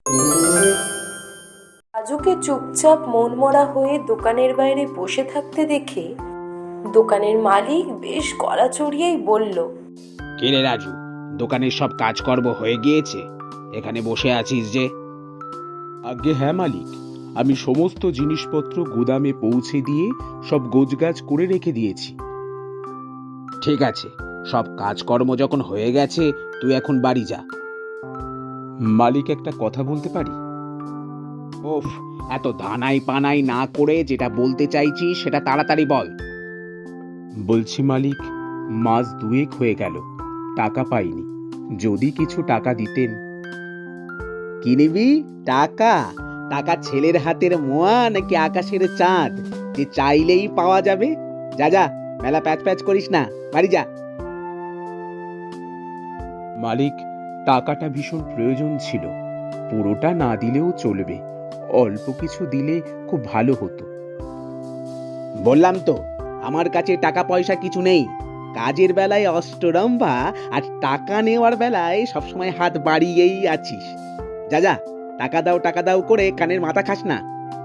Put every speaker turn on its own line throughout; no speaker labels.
রাজুকে চুপচাপ মনমরা হয়ে দোকানের বাইরে বসে থাকতে দেখে দোকানের মালিক বেশ গলা চড়িয়েই বলল,
কে রে রাজু, দোকানের সব কাজকর্ম হয়ে গিয়েছে? এখানে বসে আছিস যে?
আগে হ্যাঁ মালিক, আমি সমস্ত জিনিসপত্র গুদামে পৌঁছে দিয়ে সব গোছগাছ করে রেখে দিয়েছি।
ঠিক আছে, সব কাজকর্ম যখন হয়ে গেছে তুই এখন বাড়ি যা।
মালিক, একটা কথা বলতে পারি?
ওফ, এত দানাই পানাই না করে যেটা বলতে চাইছিস সেটা তাড়াতাড়ি বল।
বলছি মালিক, মাস দুয়েক হয়ে গেল, টাকা পাইনি। যদি কিছু টাকা দিতেন।
কি নিবি? টাকা? টাকা ছেলের হাতের মোয়া নাকি আকাশের চাঁদ যে চাইলেই পাওয়া যাবে? যা যা, মেলা প্যাচ প্যাচ করিস না, বাড়ি যা।
মালিক, টাকাটা ভীষণ প্রয়োজন ছিল। পুরোটা না দিলেও চলবে, অল্প কিছু দিলে খুব ভালো হতো।
বললাম তো, আমার কাছে টাকা পয়সা কিছু নেই। কাজের বেলায় অষ্টরম্ভা, আর টাকা নেওয়ার বেলায় সবসময় হাত বাড়িয়েই আছিস। যা যা, টাকা দাও টাকা দাও করে কানের মাথা খাস না।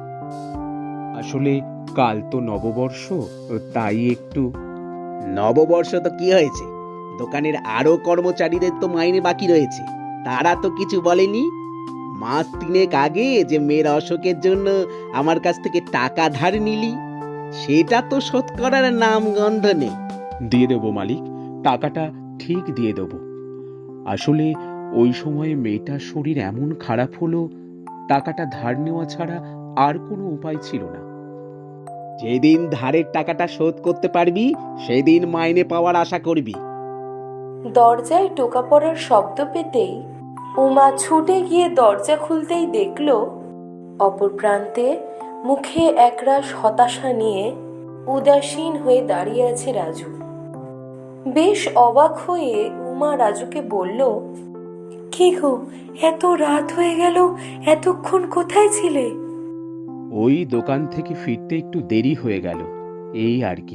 আসলে কাল তো নববর্ষ, তাই একটু।
নববর্ষ তো কি হয়েছে? দোকানের আরো কর্মচারীদের তো মাইনে বাকি রয়েছে, তারা তো কিছু বলেনি। মাস তিনেক আগে যে মেয়ের অসুখের জন্য আমার কাছ থেকে টাকা ধার নিলি, সেটা তো শোধ করার নাম গন্ধ নেই।
দিয়ে দেবো মালিক, টাকাটা ঠিক দিয়ে দেবো। আসলে ওই সময়ে মেয়েটার শরীর এমন খারাপ হলো, টাকাটা ধার নেওয়া ছাড়া আর কোনো উপায় ছিল না।
যেদিন ধারের টাকাটা শোধ করতে পারবি সেদিন মাইনে পাওয়ার আশা করবি।
দরজায় টোকা পড়ার শব্দ পেতেই উমা ছুটে গিয়ে দরজা খুলতেই দেখল অপর প্রান্তে মুখে একরাশ হতাশা নিয়ে উদাসীন হয়ে দাঁড়িয়ে আছে রাজু। বেশ অবাক হয়ে উমা রাজুকে বলল, কি গো, এত রাত হয়ে গেল, এতক্ষণ কোথায় ছিলে?
ওই দোকান থেকে ফিরতে একটু দেরি হয়ে গেল, এই আর কি।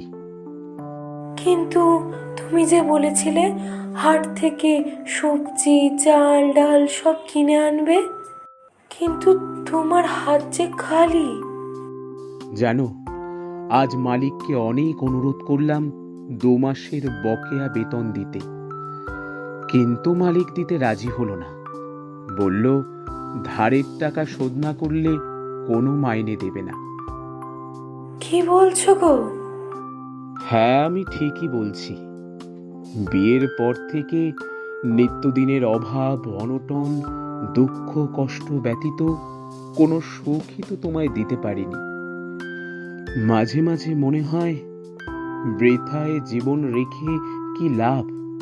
কিন্তু তুমি যে বলেছিলে হাট থেকে সবজি চাল ডাল সব কিনে আনবে, কিন্তু তোমার হাত যে খালি।
জানো, আজ মালিককে অনেক অনুরোধ করলাম 2 মাসের বকেয়া বেতন দিতে, কিন্তু মালিক দিতে রাজি হলো না। বলল ধারের টাকা শোধ না করলে কোনো মাইনে দেবে না।
কি বলছো গো?
হ্যাঁ, আমি ঠিকই বলছি। বিয়ের পর থেকে নিত্যদিনের অভাব অনটন, দুঃখ কষ্ট ব্যতীত কোনো সুখই তো তোমায় দিতে পারিনি। মাঝে মাঝে মনে হয় বৃথায় জীবন রেখে কি লাভ।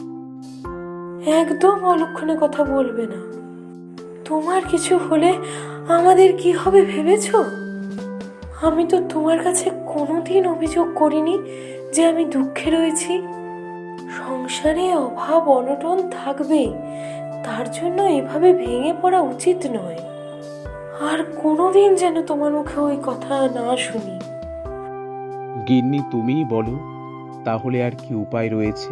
একদম অলক্ষণে কথা বলবে না। তোমার কিছু হলে আমাদের কি হবে ভেবেছো? আমি তো তোমার কাছে কোনোদিন অভিযোগ করিনি যে আমি দুঃখে রয়েছি। সংসারে অভাব অনটন থাকবেই, তার জন্য এভাবে ভেঙে পড়া উচিত নয়। আর কোনোদিন যেন তোমার মুখে ওই কথা না শুনি।
গিন্নি, তুমিই বলো, তাহলে আর কি উপায় রয়েছে?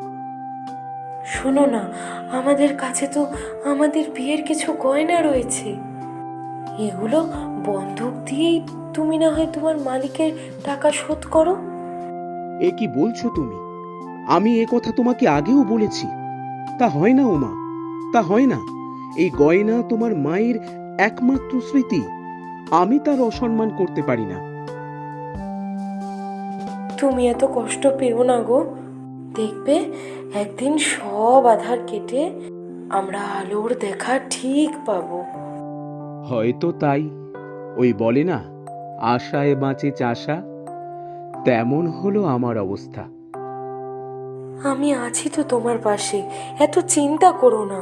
শোনো না, আমাদের কাছে তো আমাদের বিয়ের কিছু গয়না রয়েছে। এগুলো বন্ধক দিয়েই তুমি না হয় তোমার মালিকের টাকা শোধ করো।
এ কি বলছো তুমি? আমি এ কথা তোমাকে আগেও বলেছি। তা হয় না ওমা, তা হয় না। এই গয়না তোমার মায়ের একমাত্র স্মৃতি, আমি তার অসম্মান করতে পারি না।
তুমি এত কষ্ট পেও না গো, দেখবে একদিন সব আধার কেটে আমরা আলোর দেখা ঠিক পাবো।
হয়তো তাই। ওই বলে না, আশায় বাঁচে চাষা, তেমন হলো আমার অবস্থা।
আমি আছি তো তোমার পাশে, এত চিন্তা করো না।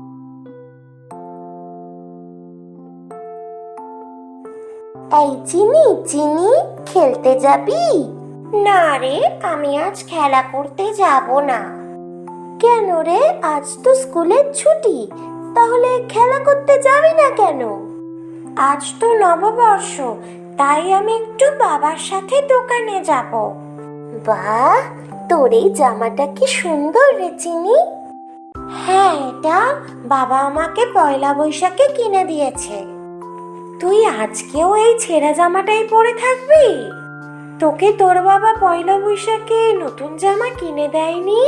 এই চিনি চিনি, খেলতে যাবি? না রে, আমি আজ খেলা করতে যাব না। কেন রে, আজ তো স্কুলের ছুটি, তাহলে খেলা করতে যাবি না কেন? আজ তো নববর্ষ, তাই আমি একটু বাবার সাথে দোকানে যাব। বাহ, তোর এই জামাটা কি সুন্দর রে চিনি। হ্যাঁ, এটা বাবা আমাকে পয়লা বৈশাখে কিনে দিয়েছে। তুই আজকেও এই ছেঁড়া জামাটাই পরে থাকবি? তোকে তোর বাবা পয়লা বৈশাখে নতুন জামা কিনে দেয়নি?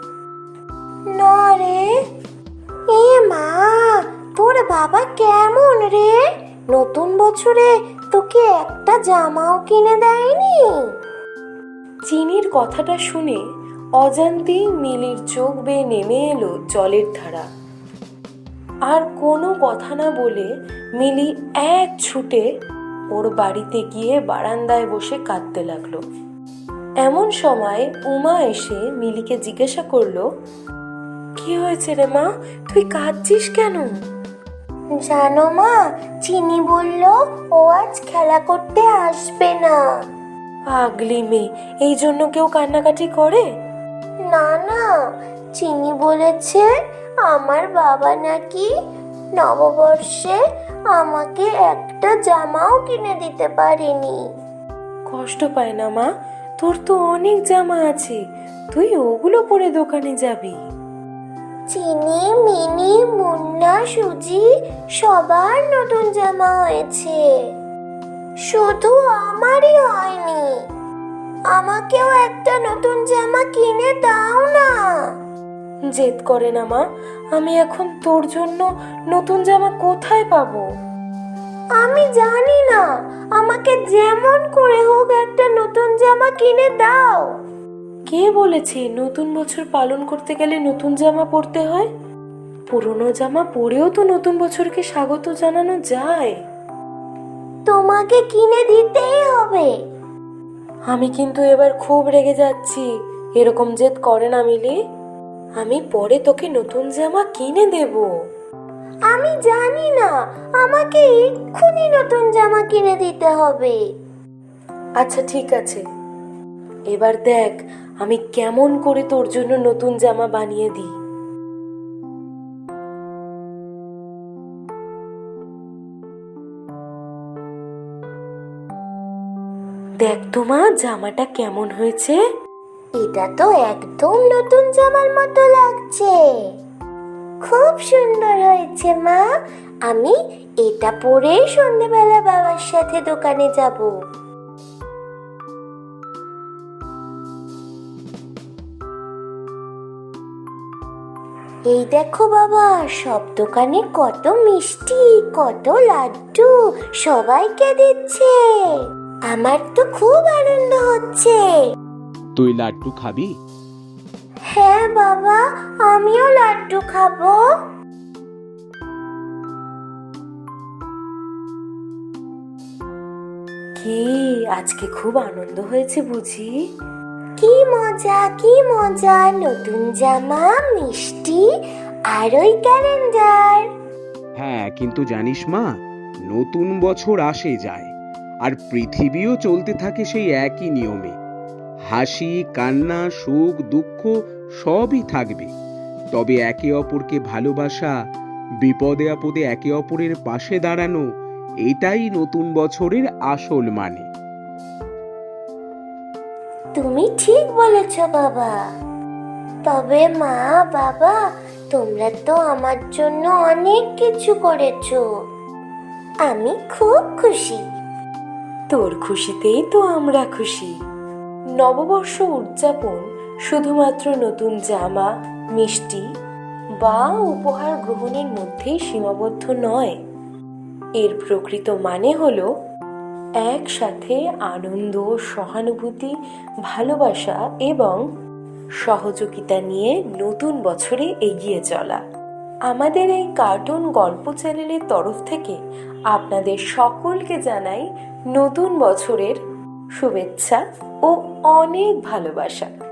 না রে। এ মা, তোর বাবা কেমন রে? নতুন বছরে তোকে একটা জামাও কিনে দেয়নি?
চিনির কথাটা শুনে অজান্তেই মিলির চোখ বেয়ে নেমে এলো জলের ধারা। আর কোনো কথা না বলে মিলি এক ছুটে ওর বাড়িতে গিয়ে বারান্দায় বসে কাঁদতে লাগলো। এমন সময় উমা এসে মিলিকে জিজ্ঞাসা করলো, কি হয়েছে রে মা, তুই কাঁদছিস কেন?
জানো মা, চিনি বলল ও আজ খেলা করতে আসবে না।
পাগলি মেয়ে, এই জন্য কেউ কান্নাকাটি করে?
না না, চিনি বলেছে আমার বাবা নাকি নববর্ষে আমাকে একটা জামাও কিনে দিতে পারেনি।
কষ্ট পায় না মা, তোর তো অনেক জামা আছে, তুই ওগুলো পরে দোকানে যাবি।
চিনি, মিনি, মুন্না, সুজি সবার নতুন জামা হয়েছে, শুধু আমারই হয়নি। আমাকেও একটা নতুন জামা কিনে দাও না।
জেদ করে না মা, আমি এখন তোর জন্য নতুন জামা কোথায় পাবো?
আমি জানি না, আমাকে যেমন করে হোক একটা নতুন জামা কিনে দাও।
কে বলেছে নতুন বছর পালন করতে গেলে নতুন জামা পরতে হয়? পুরনো জামা পরেও তো নতুন বছরকে স্বাগত জানানো যায়।
তোমাকে কিনে দিতেই হবে।
আমি কিন্তু এবার খুব রেগে যাচ্ছি, এরকম জেদ করে না মিলি। আমি পরে তোকে নতুন জামা কিনে দেব।
আমি জানি না, আমাকে এক্ষুনি নতুন জামা কিনে দিতে হবে।
আচ্ছা ঠিক আছে, এবার দেখ আমি কেমন করে তোর জন্য নতুন জামা বানিয়ে দিই। দেখ তো মা, জামাটা কেমন হয়েছে?
এটা তো একদম নতুন জামার মতো লাগছে। খুব সুন্দর হয়েছে মা। আমি এটা পরেই সন্ধ্যেবেলা বাবার সাথে দোকানে যাব। এই দেখো বাবা, সব দোকানে কত মিষ্টি, কত লাড্ডু সবাইকে দিচ্ছে। আমার তো খুব আনন্দ হচ্ছে।
তুই লাড্ডু খাবি?
হ্যাঁ বাবা, আমিও লাড্ডু খাবো।
কি আজকে খুব আনন্দ হয়েছে বুঝি?
কি মজা, কি মজা! নতুন জামা, মিষ্টি আর ওই ক্যালেন্ডার।
হ্যাঁ, কিন্তু জানিস মা, নতুন বছর আসে যায় আর পৃথিবীও চলতে থাকে সেই একই নিয়মে। হাসি, কান্না, সুখ, দুঃখ সবই থাকবে, তবে একে অপরকে ভালোবাসা, বিপদে আপদে একে অপরের পাশে দাঁড়ানো, এটাই নতুন বছরের আসল মানে।
তুমি ঠিক বলেছ বাবা। তবে মা, বাবা, তোমরা তো আমার জন্য অনেক কিছু করেছো। আমি খুব খুশি।
তোর খুশিতেই তো আমরা খুশি। নববর্ষ উদযাপন শুধুমাত্র নতুন জামা, মিষ্টি বা উপহার গ্রহণের মধ্যেই সীমাবদ্ধ নয়। এর প্রকৃত মানে হলো একসাথে আনন্দ, সহানুভূতি, ভালোবাসা এবং সহযোগিতা নিয়ে নতুন বছরে এগিয়ে চলা। আমাদের এই কার্টুন গল্প চ্যানেলের তরফ থেকে আপনাদের সকলকে জানাই নতুন বছরের শুভেচ্ছা ও অনেক ভালোবাসা।